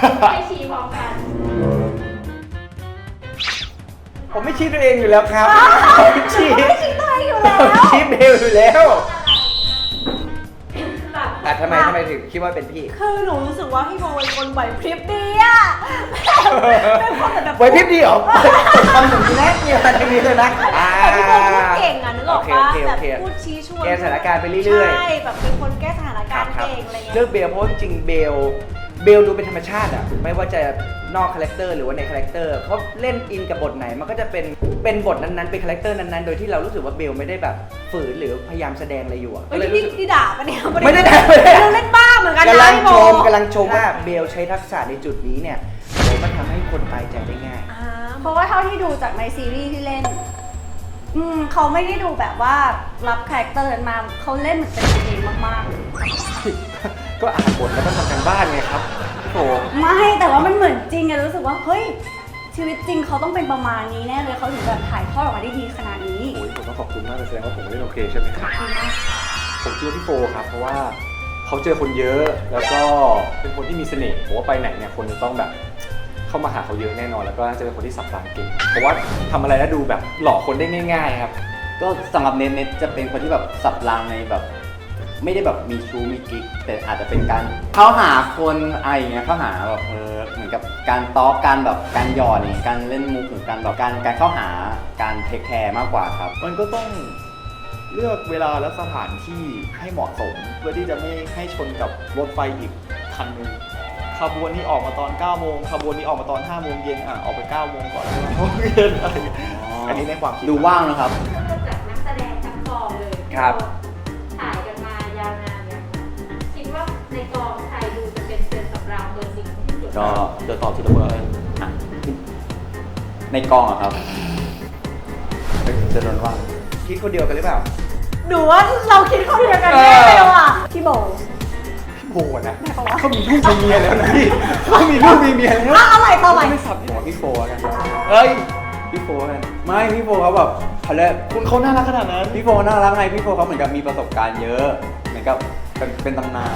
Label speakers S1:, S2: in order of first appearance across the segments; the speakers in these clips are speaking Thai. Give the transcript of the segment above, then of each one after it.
S1: ให้ชี้พร้อมกัน
S2: ผมไม่ชี้ตัวเองอยู่แล้วครับผมชี้
S3: ไม่ชี้ตัวเองอยู่แล้ว
S2: ผมชี้เบลอยู่แล้ว
S1: แบบ
S2: ทำไมถึงคิดว่าเป็นพี่
S3: คือหนูรู้สึกว่าพี่โบเป็นคนไหวพริบดีอะเป็นคนแบบ
S2: ไหวพริบดีเหรอทำอย่างนี้นะเนี่ยมันอย่างนี้เลยนะ
S3: แต่พี่โบพูดเก่งอะนึกออกปะ
S2: โอเค
S3: แบบพูดชี้ชวน
S2: แก้สถานการณ์ไปเรื่อยๆ
S3: ใช่แบบเป็นคนแก้สถานการณ์เก่งอะไรเงี้ย
S2: เลือกเบลเพราะจริงๆเบลดูเป็นธรรมชาติอะไม่ว่าจะนอกคาแรคเตอร์หรือว่าในคาแรคเตอร์เขาเล่นอินกับบทไหนมันก็จะเป็นบทนั้นๆเป็นคาแรคเตอร์นั้นๆโดยที่เรารู้สึกว่าเบลไม่ได้แบบฝืนหรือพยายามแสดงอะไรอยู่อะก็เลยรู้สึก
S3: ที่ด่าปะเนี่ย
S2: ไม่ได้ด่า
S3: เราเล่นบ้าเหมือนกัน
S2: กำลั
S3: นะ
S2: ง
S3: พี่โบ
S2: กำลังชมว่าเบลใช้ทักษะในจุดนี้เนี่ยมันทำให้คนตายใจได้ง่าย
S3: เพราะว่าเท่าที่ดูจากในซีรีส์ที่เล่นเขาไม่ได้ดูแบบว่ารับคาแรคเตอร์นั้นมาเขาเล่นเหมือนเป็นตัวเองมาก
S2: ก็อ่านบทแล้วก็ทำกันบ้านไงครับโถ
S3: ๆไม่แต่ว่ามันเหมือนจริงไงรู้สึกว่าเฮ้ยชีวิตจริงเขาต้องเป็นประมาณนี้แน่เลยเขาถึงแบบถ่ายทอดออกมาได้ดีขนาดนี้
S4: โอ้ยผมต้องขอบคุณมากเลยแสดงว่าผมเล่นโอเคใช่ไหมครับ
S3: ขอบคุณมาก
S4: ผมคิดว่าพี่โฟครับเพราะว่าเขาเจอคนเยอะแล้วก็เป็นคนที่มีเสน่ห์ผมว่าไปไหนเนี่ยคนจะต้องแบบเข้ามาหาเขาเยอะแน่นอนแล้วก็น่าจะเป็นคนที่สับรางเก่งเพราะว่าทำอะไรแล้วดูแบบหลอกคนได้ง่าย ๆ ครับ
S5: ก็สำหรับเน็ตจะเป็นคนที่แบบสับรางในแบบ ไม่ได้แบบมีชู้มีกิ๊กแต่อาจจะเป็นการเข้าหาคนอะไรอย่างเงี้ยเข้าหาแบบเหมือนกับการต้อการแบบการหยอดนี่การเล่นมุกหรือการแบบการเข้าหาการเทคแคร์มากกว่าครับ
S6: มันก็ต้องเลือกเวลาและสถานที่ให้เหมาะสม เพื่อที่จะไม่ให้ชนกับรถไฟอีกคันหนึ่งขบวนนี้ออกมาตอน9โมงขบวนนี้ออกมาตอน5โมงเย็นออกไป9โมงก่อน5โมงเย็นอะไรอย่างเงี้ยอันนี้ในความคิด
S5: ดูว่างนะครับ
S1: เริ่มจากนักแสดงทั้งกองเลย
S2: ครับ
S1: ถ่ายกันมายาวนานเนี่ยคิดว่าในกองใครดูจะเป็นเซนสำรองเบอร์สิ่งที่สุด
S5: ก็
S6: เดี๋ยวตอบทีละเบอร์เลย
S5: อ่ะในกองอะครับเฮ้ยจะโดนว่า
S2: คิดคนเดียวกันหรือเปล่า
S3: หนูว่าเราคิดคนเดียวกันแน่เลยว่ะพี่โบ
S4: พี่โฟนะเขามีลูกมีเมียแล้วนะพี่เขามีลูกมีเมียแล้ว
S3: อะไรต่อไป
S4: ไม่สับหัวพี่โฟกัน
S2: เอ้ย
S4: พี่โฟกัน
S5: ไม่พี่โฟเขาแบบเขาเรียก
S6: คุณเขาน่ารักขนาดนั้น
S5: พี่โฟน่ารักไงพี่โฟเขาเหมือนกับมีประสบการณ์เยอะเหมือนกับเป็นตำนาน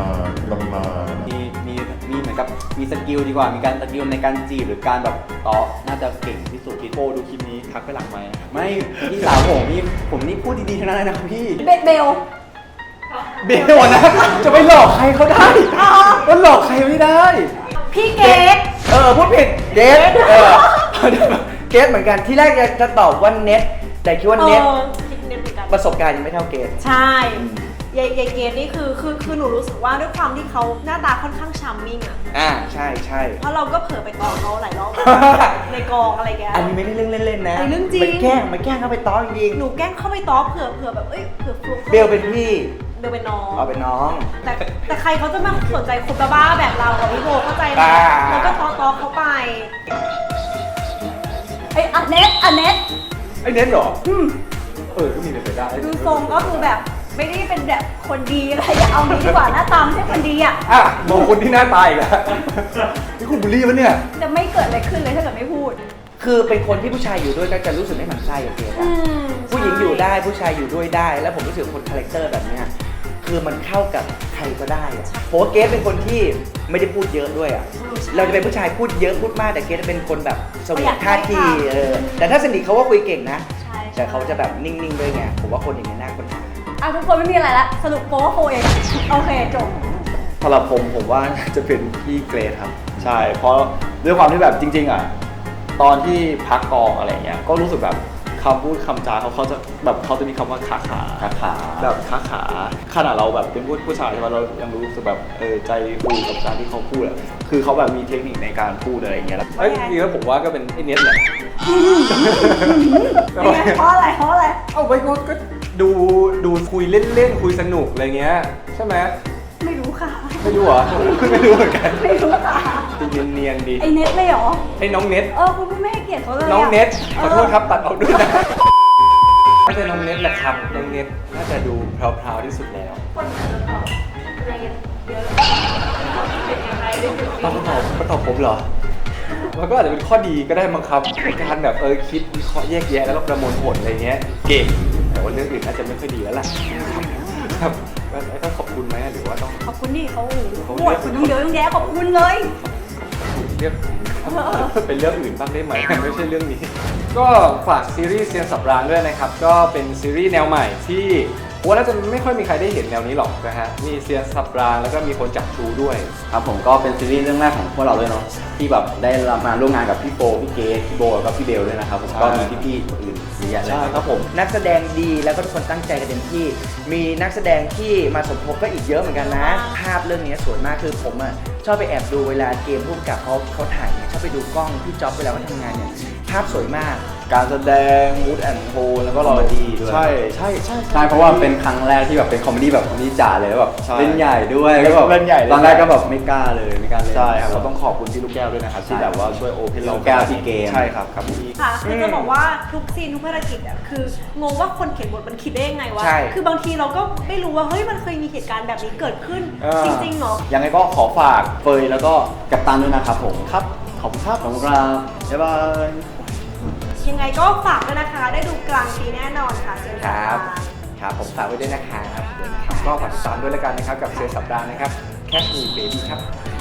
S5: มีเหมือนกับมีสกิลดีกว่ามีการสกิลในการจีบหรือการแบบต่อน่าจะเก่งที่สุด
S6: โฟดูคลิปนี้ทักไปหลังไหมค์
S5: ไม่พี่สาวผมนี่พูดดีๆทั้งนั้นเลยนะครับพี่
S3: เบล
S4: เบลนะจะไปหลอกใครเขาได้มันหลอกใครไม่ได้
S3: พี่เกด
S2: พูดผิดเกสเกสเหมือนกันที่แรกจะตอบว่าเน็ตแต่คิดว่าเน็ต
S3: คิดเน็ตเหมือนกัน
S2: ประสบการณ์ยังไม่เท่าเกส
S3: ใช่ยายเกดนี่คือหนูรู้สึกว่าด้วยความที่เขาหน้าตาค่อนข้างชาร์มมิ่งอ่ะ
S2: ใช่
S3: เพราะเราก็เผลอไปตอเขาหลายรอบ ในกองอะไรแก
S2: อันนี้ไม่ได้เรื่องเล่นๆนะ
S3: อันนี้เรื่องจริง
S2: มันแกล้งเข้าไปต้อจริง
S3: หนูแกล้งเข้าไปตอเผื่อแบบเอ้ยเผื่อฟลุก
S2: เบลเป็นพี่
S3: เบลเป็นน้อง
S2: เอาเป็นน้อง
S3: แต่ใครเขาจะมาสนใจคนบ้าๆแบบเราอะพี่โบเข้าใจไหม
S2: บ้า
S3: แล้วก็ตอเขาไปไอ้อันเน็ต
S4: ไอ้เน็ตเหรอก็มีเป็นไปได้
S3: ดูทรงก็คือแบบไม่ได้เป็นแบบคนดีอะไรอย่าเอางี้ดีกว่าหน้าตามไม่ใช่คนดีอ่ะ
S4: มองคนที่หน้าตายอีกแล้วนี่คุณบูลลี่ปะเนี่ย
S3: จะไม่เกิดอะไรขึ้นเลยถ้าเกิดไม่พูด
S2: คือเป็นคนที่ผู้ชายอยู่ด้วยก็จะรู้สึกไม่หมั่นไส้อะเกสอะผู้หญิงอยู่ได้ผู้ชายอยู่ด้วยได้ แล้วผมรู้สึกคนคาแรคเตอร์แบบเนี้ยคือมันเข้ากับใครก็ได้อะเพราะว่าเกสเป็นคนที่ไม่ได้พูดเยอะด้วยอะเราจะเป็นผู้ชายพูดเยอะพูดมากแต่เกสจะเป็นคนแบบสวีทท่าทีแต่ถ้าสนิทเขาก็คุยเก่งนะ
S3: ใช่
S2: แต่เขาจะแบบนิ่งๆด้วยไงผมว่าคนอย่างนี้น่าค้นหา
S3: อ่ะทุกคนไม่มีอะไรละสรุปโป๊ว่าโฟเองอะโอเคจบ
S6: สำหรับผมว่าจะเป็นพี่เกรทครับ ใช่เพราะด้วยความที่แบบจริง ๆตอนที่พักกองอะไรเงี้ยก็รู้สึกแบบคำพูดคำจาเขาจะแบบเขาจะมีคำว่าขาแบบขาขนาดเราแบบเป็นผู้ชายใช่ไหมเรายังรู้สึกแบบใจฟูกับการที่เขาพูดอะคือเขาแบบมีเทคนิคในการพูดอะไรอย่างเงี้ยแล้ว
S4: จริงๆแล้วผมว่าก็เป็นไอ้เน็ตแหละ
S3: เป็นไงเพราะอะไร
S4: เอาไว้ก็ดูคุยเล่นๆคุยสนุกอะไรเงี้ยใช่ไหม
S3: ไม่รู้ค่ะ
S4: ไม่รู้เหรอไม่รู้เหมือนกัน
S3: ไม่รู้ค่ะ
S4: เนียนๆดี
S3: ไอเน็ตเลยเหรอ
S4: ไอ้น้องเน็ต
S3: คุณไม่ให้เกียรติเขาเลยะ
S4: น้องเน็ตขอโทษครับตัดออกด้วยนะน่าจะน้องเน็ตแหละครับน้องเน็ตน่าจะดูพราวๆที่สุดแล้ว
S1: คนอาจจะตอบอะไรเยอะเป็นอย่างไรด้วย
S4: มาตอบผมเหรอมันก็อาจจะเป็นข้อดีก็ได้มั้งครับในการแบบคิดวิเคราะห์แยกแยะแล้วก็ประมวลผลอะไรเงี้ยเก่งแต่ว่าเรื่องอื่นน่าจะไม่ค่อยดีแล้วล่ะครับแล้วต้องขอบคุณไหมหรือว่าต้อง
S3: ขอบคุณดิเขา
S4: เขา
S3: ปวดคุณต้องเยอะต้องแยะขอบคุณเลย
S4: เรียกผม เป็นเรื่องอื่นบ้างได้ไหม ไม่ใช่เรื่องนี้ ก็ฝากซีรีส์เซียนสับรางด้วยนะครับ ก็เป็นซีรีส์แนวใหม่ที่ผมว่าน่าจะไม่ค่อยมีใครได้เห็นแนวนี้หรอกนะฮะมีเซียนสับรางแล้วก็มีคนจับชูด้วย
S5: ครับผมก็เป็นซีรีส์เรื่องแรกของพวกเราด้วยเนาะที่แบบได้มาร่วมงานกับพี่โฟพี่เกสพี่โบแล้วก็พี่เบลด้วยนะครับผม
S6: ใช่
S5: ก็มีพี่ๆคนอื่นเยอะแยะเลย
S6: ใช่ครับผม
S2: นักแสดงดีแล้วก็ทุกคนตั้งใจกันเต็มที่ มีนักแสดงที่มาสมทบก็อีกเยอะเหมือนกันนะ ภาพเรื่องนี้สวยมากคือผมอ่ะชอบไปแอบดูเวลาเกมผู้กำกับเขาถ่ายเนี่ยชอบไปดูกล้องพี่จ๊อบเวลาเขาทำงานเนี่ยภาพสวยมาก
S6: การแสดงมูดแอนด์โทนแล้วก็เรา
S5: คอมเมดี้ด้วย
S6: ใช่
S5: ใช่เพราะว่าเป็นครั้งแรกที่แบบเป็นคอมเมดี้แบบคอมเมดี้จ๋าเลยแล้วแบบ
S6: ใช่
S5: เล่นใหญ่ด้วยก็แบบ
S6: เล่นใหญ่
S5: ตอนแรกก็แบบไม่กล้าเลยไม่กล้าเล่น
S6: ใช่ครับเราต้องขอบคุณพี่ลูกแก้วด้วยนะครับที่แบบว่าช่วยโอเพนเรา
S5: ลูกแก้วพี่เกม
S6: ใช่ครับครับพี่
S7: ค่ะคือจะบอกว่าทุกซีนทุกภารกิจอ่ะคืองงว่าคนเขียนบทมันคิดได้ยังไงวะ
S2: ใช่
S7: คือบางทีเราก็ไม่รู้ว่าเฮ้ยมันเคยมีเหตุการณ์แบบนี้เกิดขึ้น จริงๆเหรอ
S6: ยังไงก็ขอฝากเฟยแล้วก็
S5: กับตันด้วยนะครับผม
S6: ครับขอบคุณครับ
S5: ขอบคุณครับ
S6: บ๊ายบาย
S7: ยังไงก็ฝากด้วยนะคะ ได้ดูกลางปีแน่นอนค่ะเชิญ
S2: ค
S7: ค่ะ
S2: รับครับผมฝากไว้ด้วยนะครับ
S4: ก็ฝากติดตามด้วยแล้วกันนะครับกับเซียนสับรางนะครับ Catch Me Baby ครับ